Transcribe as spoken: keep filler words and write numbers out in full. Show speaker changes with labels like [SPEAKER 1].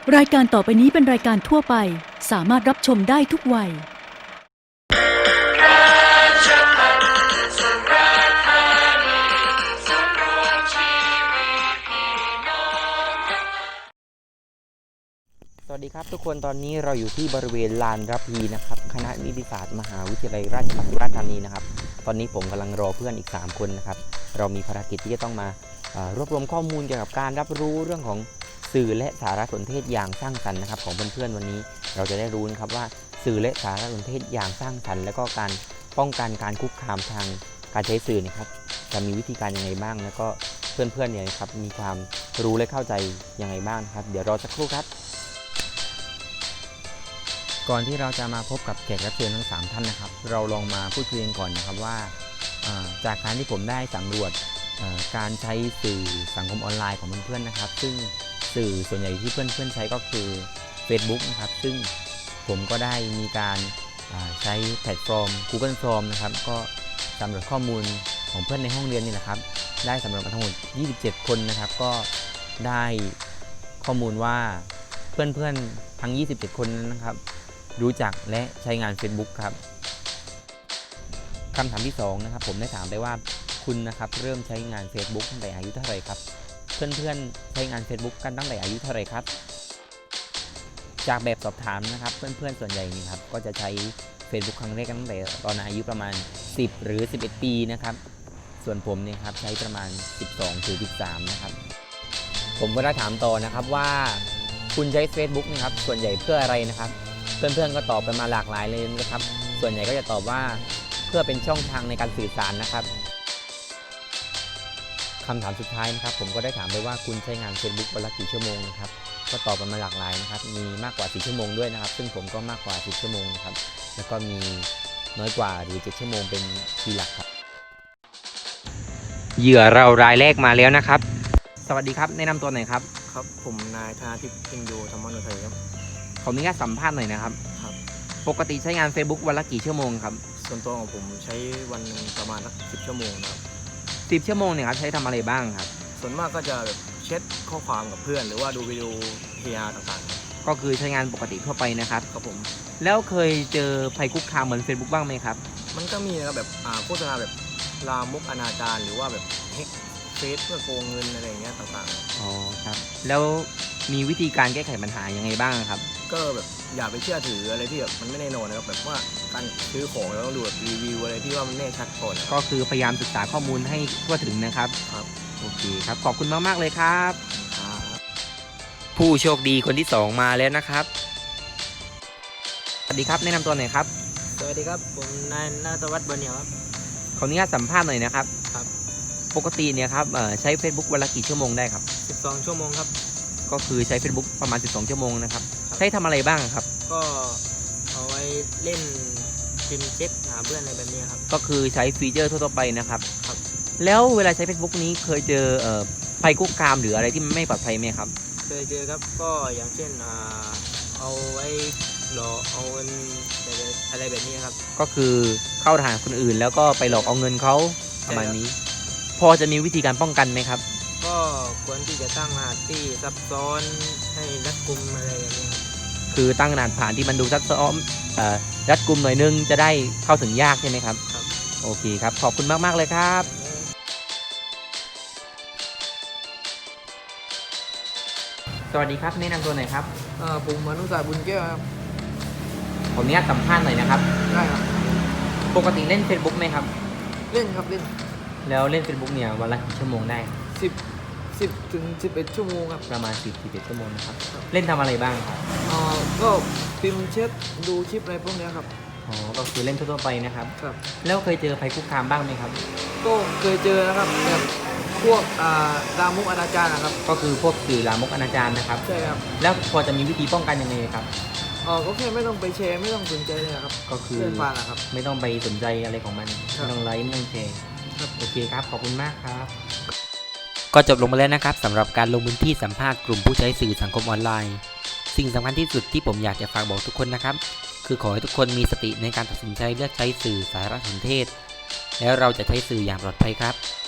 [SPEAKER 1] รายการต่อไปนี้เป็นรายการทั่วไปสามารถรับชมได้ทุกวัย
[SPEAKER 2] สวัสดีครับทุกคนตอนนี้เราอยู่ที่บริเวณลานระพีนะครับคณะนิติศาสตร์มหาวิทยาลัยราชภัฏสุราษฎร์ธานีนะครับตอนนี้ผมกำลังรอเพื่อนอีกสามคนนะครับเรามีภารกิจที่จะต้องมารวบรวมข้อมูลเกี่ยวกับการรับรู้เรื่องของสื่อและสารสนเทศอย่างสร้างสรรค์นะครับของเพื่อนๆวันนี้เราจะได้รู้นะครับว่าสื่อและสารสนเทศอย่างสร้างสรรค์และก็การป้องกันการคุกคามทางการใช้สื่อนะครับจะมีวิธีการยังไงบ้างแล้วก็เพื่อนๆเนี่ยครับมีความรู้และเข้าใจยังไงบ้างครับเดี๋ยวรอสักครู่ครับก่อนที่เราจะมาพบกับแขกรับเชิญทั้งสามท่านนะครับเราลองมาพูดคุยกันก่อนนะครับว่าจากการที่ผมได้สำรวจการใช้สื่อสังคมออนไลน์ของเพื่อนๆนะครับซึ่งสื่อส่วนใหญ่ที่เพื่อนๆใช้ก็คือ Facebook นะครับซึ่งผมก็ได้มีการใช้แพลตฟอร์ม Google Form นะครับก็สำรวจข้อมูลของเพื่อนในห้องเรียนนี่แหละครับได้สำรวจมาทั้งหมดยี่สิบเจ็ดคนนะครับก็ได้ข้อมูลว่าเพื่อนๆทั้งยี่สิบเจ็ดคนนั้นนะครับรู้จักและใช้งาน Facebook ครับคำถามที่สองนะครับผมได้ถามไปว่าคุณนะครับเริ่มใช้งาน Facebook ตั้งแต่อายุเท่าไหร่ครับเพื่อนๆใช้งาน Facebook กันตั้งแต่อายุเท่าไหร่ครับจากแบบสอบถามนะครับเพื่อนๆส่วนใหญ่นี่ครับก็จะใช้ Facebook ครั้งแรกกันตั้งแต่ตอนอายุประมาณสิบหรือสิบเอ็ดปีนะครับส่วนผมเนี่ยครับใช้ประมาณสิบสองถึงสิบสามนะครับผมก็ได้ถามต่อนะครับว่าคุณใช้ Facebook นะครับส่วนใหญ่เพื่ออะไรนะครับเพื่อนๆก็ตอบกันมาหลากหลายเลยนะครับส่วนใหญ่ก็จะตอบว่าเพื่อเป็นช่องทางในการสื่อสารนะครับคำถามสุดท้ายนะครับผมก็ได้ถามไปว่าคุณใช้งาน Facebook วันละกี่ชั่วโมงนะครับก็ตอบกันมาหลากหลายนะครับมีมากกว่าสี่ชั่วโมงด้วยนะครับซึ่งผมก็มากกว่าสิบชั่วโมงนะครับแล้วก็มีน้อยกว่าหรือเจ็ดชั่วโมงเป็นทีหลักครับเหยื่อเรารายแรกมาแล้วนะครับสวัสดีครับแนะนำตัวหน่อยครับ
[SPEAKER 3] ครับผมนายธนาทิพย์อิงดูธรรมนุทัยครับ
[SPEAKER 2] ขออนุญาตสัมภาษณ์หน่อยนะครับ
[SPEAKER 3] ครับ
[SPEAKER 2] ปกติใช้งาน Facebook วันละกี่ชั่วโมงครับ
[SPEAKER 3] ส่วนตัวของผมใช้วันหนึ่งประมาณสักสิบชั่วโมงนะครับ
[SPEAKER 2] สิบชั่วโมงเนี่ยครับใช้ทำอะไรบ้างครับ
[SPEAKER 3] ส่วนมากก็จะแบบเช็ดข้อความกับเพื่อนหรือว่าดูวิดีโอเฮียต่าง
[SPEAKER 2] ๆก็คือใช้งานปกติทั่วไปนะครับ
[SPEAKER 3] ครับผม
[SPEAKER 2] แล้วเคยเจอภัยคุกคามเหมือน Facebook บ้างไหมครับ
[SPEAKER 3] มันก็มีนะครับแบบโฆษณาแบบลามกอนาจารหรือว่าแบบเฮกเฟซเพื่อโกงเงินอะไรอย่างเงี้ยต่าง
[SPEAKER 2] ๆอ๋อครับแล้วมีวิธีการแก้ไขปัญหายังไงบ้างครับ
[SPEAKER 3] ก็แบบอย่าไปเชื่อถืออะไรที่แบบมันไม่แน่นอนนะครับแบบว่าการซื้อของเราต้องดูแบบรีวิวอะไรที่ว่ามันแน่ชัดก่อน
[SPEAKER 2] ก็คือพยายามศึกษาข้อมูลให้ทั่วถึงนะครับ
[SPEAKER 3] ครับ
[SPEAKER 2] โอเคครับขอบคุณมากๆเลยครับผู้โชคดีคนที่สองมาแล้วนะครับสวัสดีครับแนะนำตัวหน่อยครับ
[SPEAKER 3] สวัสดีครับผมนายณัฐวัฒน์ บัวเหนียวครับ
[SPEAKER 2] ขออนุญาตสัมภาษณ์หน่อยนะครับ
[SPEAKER 3] ครับ
[SPEAKER 2] ปกติเนี่ยครับใช้ Facebook วันละกี่ชั่วโมงได้ครับ
[SPEAKER 3] สิบสองชั่วโมงครับ
[SPEAKER 2] ก็คือใช้ Facebook ประมาณสิบสองชั่วโมงนะครับใช้ทำอะไรบ้างครับ
[SPEAKER 3] ก็เอาไว้เล่นพิมพ์เช็คหาเพื่อนอะไรแบบนี้ครับ
[SPEAKER 2] ก็คือใช้ฟีเจอร์ทั่วไปนะครับ
[SPEAKER 3] ครับ
[SPEAKER 2] แล้วเวลาใช้ Facebook นี้เคยเจอภัยคุกคามหรืออะไรที่ไม่ปลอดภัยไหมครับ
[SPEAKER 3] เคยเจอครับก็อย่างเช่นเอาไว้หลอกเอาเงินอะไรแบบนี้ครับ
[SPEAKER 2] ก็คือเข้าทางคนอื่นแล้วก็ไปหลอกเอาเงินเขาประมาณนี้พอจะมีวิธีการป้องกันไหมครับ
[SPEAKER 3] ก็ควรที่จะตั้งรหัสที่ซับซ้อนให้รัดกุมอะไรอย่างนี้
[SPEAKER 2] คือตั้งรหัสผ่านที่มันดูซับซ้อนรัดกุมหน่อยนึงจะได้เข้าถึงยากใช่ไหมครับ
[SPEAKER 3] ครับ
[SPEAKER 2] โอเคครับขอบคุณมากๆเลยครับสวัสดีครับแนะนำตัวหน่อยครับ
[SPEAKER 3] ผมมนุษย์ศาสตร์บุญแก้วครับ
[SPEAKER 2] ผมนี้สัมภาษณ์หน่อยนะครับ
[SPEAKER 3] ได้ครับ
[SPEAKER 2] ปกติเล่น Facebook ไหมครับ
[SPEAKER 3] เล่นครับเล่น
[SPEAKER 2] แล้วเล่น Facebook เนี่ยวันละกี่ชั่วโมงได้
[SPEAKER 3] สิบสิบถึงสิบเอ็ดชั่วโมงครับ
[SPEAKER 2] ประมาณสิบสิบเอ็ดชั่วโมงนะครับเล่นทำอะไรบ้างครับ
[SPEAKER 3] อ๋อก็พิมพ์เช็คดูคลิปอะไรพวกนี้ครับ
[SPEAKER 2] อ๋อก็คือเล่นทั่วไปนะครับ
[SPEAKER 3] ครับ
[SPEAKER 2] แล้วเคยเจอภัยคุกคามบ้างไหมครับ
[SPEAKER 3] ก็เคยเจอนะครับแบบพวกลามกอนาจารนะครับ
[SPEAKER 2] ก็คือพวกสื่อลามกอนาจารนะครับ
[SPEAKER 3] ใช่ครับ
[SPEAKER 2] แล้วพอจะมีวิธีป้องกันยังไงครับ
[SPEAKER 3] อ๋อก็แค่ไม่ต้องไปแชร์ไม่ต้องสนใจเลยครับ
[SPEAKER 2] ก็คือ
[SPEAKER 3] เพื่อนฟังนะครับ
[SPEAKER 2] ไม่ต้องไปสนใจอะไรของมันไม่ต้องไลค์ไม่ต้องแชร์โอเคครับขอบคุณมากครับก็จบลงมาแล้วนะครับสำหรับการลงพื้นที่สัมภาษณ์กลุ่มผู้ใช้สื่อสังคมออนไลน์สิ่งสำคัญที่สุดที่ผมอยากจะฝากบอกทุกคนนะครับคือขอให้ทุกคนมีสติในการตัดสินใจเลือกใช้สื่อสารสนเทศแล้วเราจะใช้สื่ออย่างปลอดภัยครับ